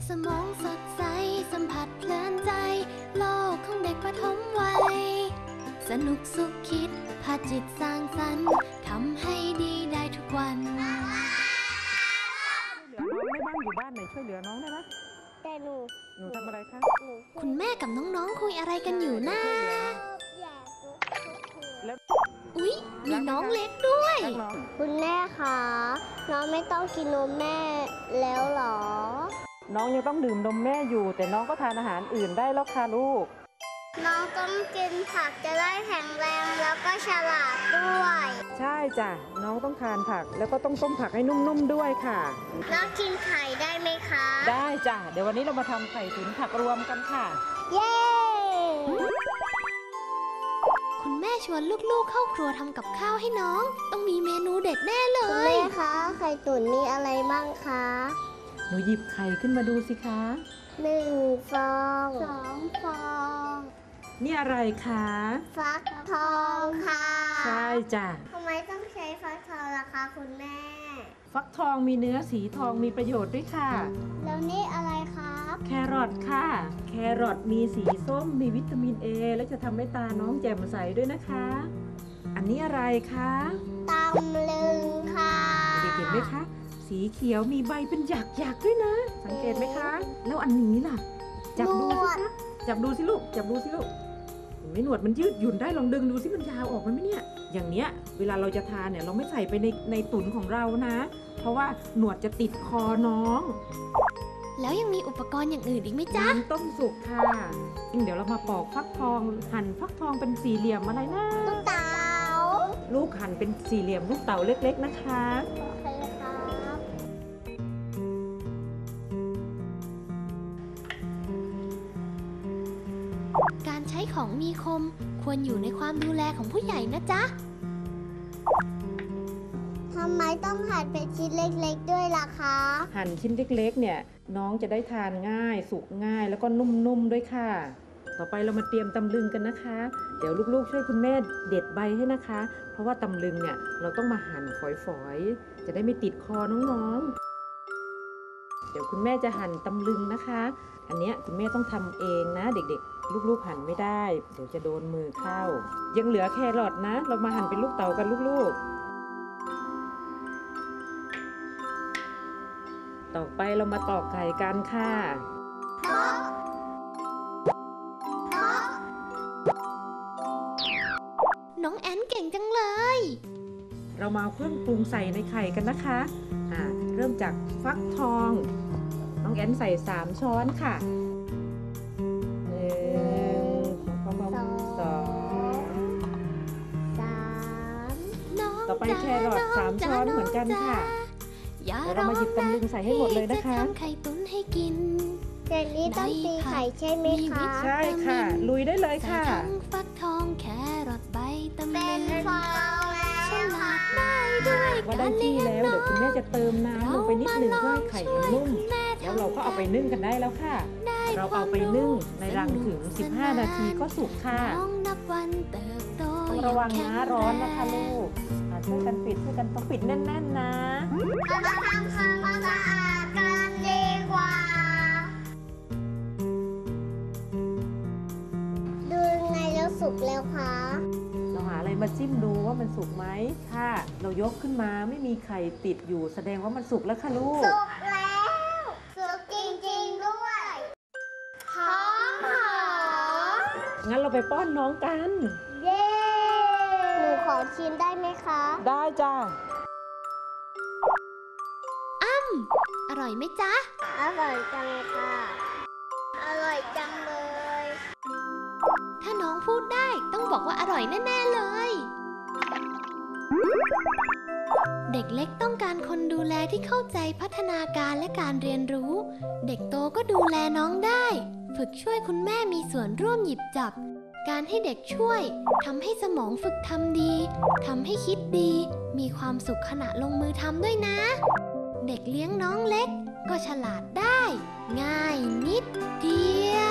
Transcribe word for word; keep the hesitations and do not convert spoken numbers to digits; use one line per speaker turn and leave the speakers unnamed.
สมองสดใสสัมผัสเพลินใจโลกของเด็กประถมวัยสนุกสุขคิดพาจิตสร้างสรรค์ทำให้ดีได้ทุกวัน
เหลือน้องไม่บ้างอยู่บ้านไหนช่วยเหลือน้องได้ไหม
แต่หนู
หนูทำอะไรคะ
คุณแม่กับน้องๆคุยอะไรกันอยู่นะอุ๊ยมีน้องเล็กด้วย
คุณแม่คะน้องไม่ต้องกินนมแม่แล้วหรอ
น้องยังต้องดื่มนมแม่อยู่แต่น้องก็ทานอาหารอื่นได้แล้วค่ะลูก
น้องต้องกินผักจะได้แข็งแรงแล้วก็ฉลาดด้วย
ใช่จ้ะน้องต้องทานผักแล้วก็ต้องต้มผักให้นุ่มๆด้วยค่ะ
น้องกินไข่ได้ไหมคะ
ได้จ้ะเดี๋ยววันนี้เรามาทำไข่ตุ๋นผักรวมกันค่ะ
เย้
คุณแม่ชวนลูกๆเข้าครัวทำกับข้าวให้น้องต้องมีเมนูเด็ดแน่เลย
คุณแม่คะไข่ตุ๋นมีอะไรบ้างคะ
หนูหยิบไข่ขึ้นมาดูสิคะ
หนึ่งฟองสองฟอง
นี่อะไรคะ
ฟักทองค่ะ
ใช่จ้ะ
ทำไมต้องใช้ฟักทองล่ะคะคุณแม่
ฟักทองมีเนื้อสีทองมีประโยชน์ด้วยค่ะ
แล้วนี่อะไรครับ
แครอทค่ะแครอทมีสีส้มมีวิตามินเอและจะทำให้ตาน้องแจ่มใสด้วยนะคะอันนี้อะไรคะ
ตำลึงค่ะ
เด็กเห็นไหมคะสีเขียวมีใบเป็นหยักๆด้วยนะสังเกตไหมคะแล้วอันนี้ล่ะจับดูสิคะจับดูสิลูกจับดูสิลูกเห็นไหมหนวดมันยืดหยุ่นได้ลองดึงดูสิมันยาวออกไหมเนี่ยอย่างเนี้ยเวลาเราจะทานเนี่ยเราไม่ใส่ไปในในตุ๋นของเรานะเพราะว่าหนวดจะติดคอน้อง
แล้วยังมีอุปกรณ์อย่างอื่นอีกไหมจ๊ะ
น้ำต้มสุกค่ะเดี๋ยวเรามาปอกฟักทองหั่นฟักทองเป็นสี่เหลี่ยมอะไรนะ
ลูกเต๋า
ลูกหั่นเป็นสี่เหลี่ยมลูกเต๋าเล็กๆนะคะ
การใช้ของมีคมควรอยู่ในความดูแลของผู้ใหญ่นะจ๊ะ
ทำไมต้องหั่นเป็นชิ้นเล็กๆด้วยล่ะคะ
หั่นชิ้นเล็กๆเนี่ยน้องจะได้ทานง่ายสุกง่ายแล้วก็นุ่มๆด้วยค่ะต่อไปเรามาเตรียมตำลึงกันนะคะเดี๋ยวลูกๆช่วยคุณแม่เด็ดใบให้นะคะเพราะว่าตำลึงเนี่ยเราต้องมาหั่นฝอยๆจะได้ไม่ติดคอน้องๆเดี๋ยวคุณแม่จะหั่นตำลึงนะคะอันนี้คุณแม่ต้องทำเองนะเด็กๆลูกๆหั่นไม่ได้เดี๋ยวจะโดนมือเข้ายังเหลือแครอทนะเรามาหั่นเป็นลูกเต๋ากันลูกๆต่อไปเรามาตอกไข่กันค่ะ
น้องแอนเก่งจังเลย
เรามาเครื่องปรุงใส่ในไข่กันนะคะอ่าเริ่มจากฟักทองน้องแอนใส่สามช้อนค่ะหนึ่งสองสอง
สาม
ต่อไปแครอทสามช้อนเหมือนกันค่ะเรามาหยิบตำลึงใส่ให้หมดเลยนะคะ
ไข่ตุ๋นให้กิน
แต่นี้ต้องตีไข่ใช่ไหมคะ
ใช่ค่ะลุยได้เลยค่ะ
ฟักทองแครอทใบตำลึง
เป็นฟองแล้ว
ฉลาดได้ด้วย
ว่าได้ที่แล้วเดี๋ยวคุณแม่จะเติมน้ำลงไปนิดหนึ่งเพื่อให้ไข่มันนุ่มแล้วเราก็เอาไปนึ่งกันได้แล้วค่ะเราเอาไปนึ่งในรังถึงสิบห้านาทีก็สุกค่ะต้องระวังนะร้อนนะคะลูกช่วยกันปิดช่วยกันต้องปิดแน่นๆนะ
เรามาทำความสะอาดกันดีกว่าดูไงแล้วสุกแล้วคะ
เราหาอะไรมาจิ้มดูว่ามันสุกไหมถ้าเรายกขึ้นมาไม่มีไข่ติดอยู่แสดงว่ามันสุกแล้วค่ะลูก
สุกแล้วสุกจริงๆด้วยหอมหอม
งั้นเราไปป้อนน้องกัน
เย้หนูขอชิมได้ไหมคะ
ได้จ้า
อ้ำอร่อยไหมจ๊ะ
อร่อยจังค่ะอร่อยจังเลย
ถ้าน้องพูดได้ต้องบอกว่าอร่อยแน่ๆเลยเด็กเล็กต้องการคนดูแลที่เข้าใจพัฒนาการและการเรียนรู้เด็กโตก็ดูแลน้องได้ฝึกช่วยคุณแม่มีส่วนร่วมหยิบจับการให้เด็กช่วยทำให้สมองฝึกทำดีทำให้คิดดีมีความสุขขณะลงมือทำด้วยนะเด็กเลี้ยงน้องเล็กก็ฉลาดได้ง่ายนิดเดียว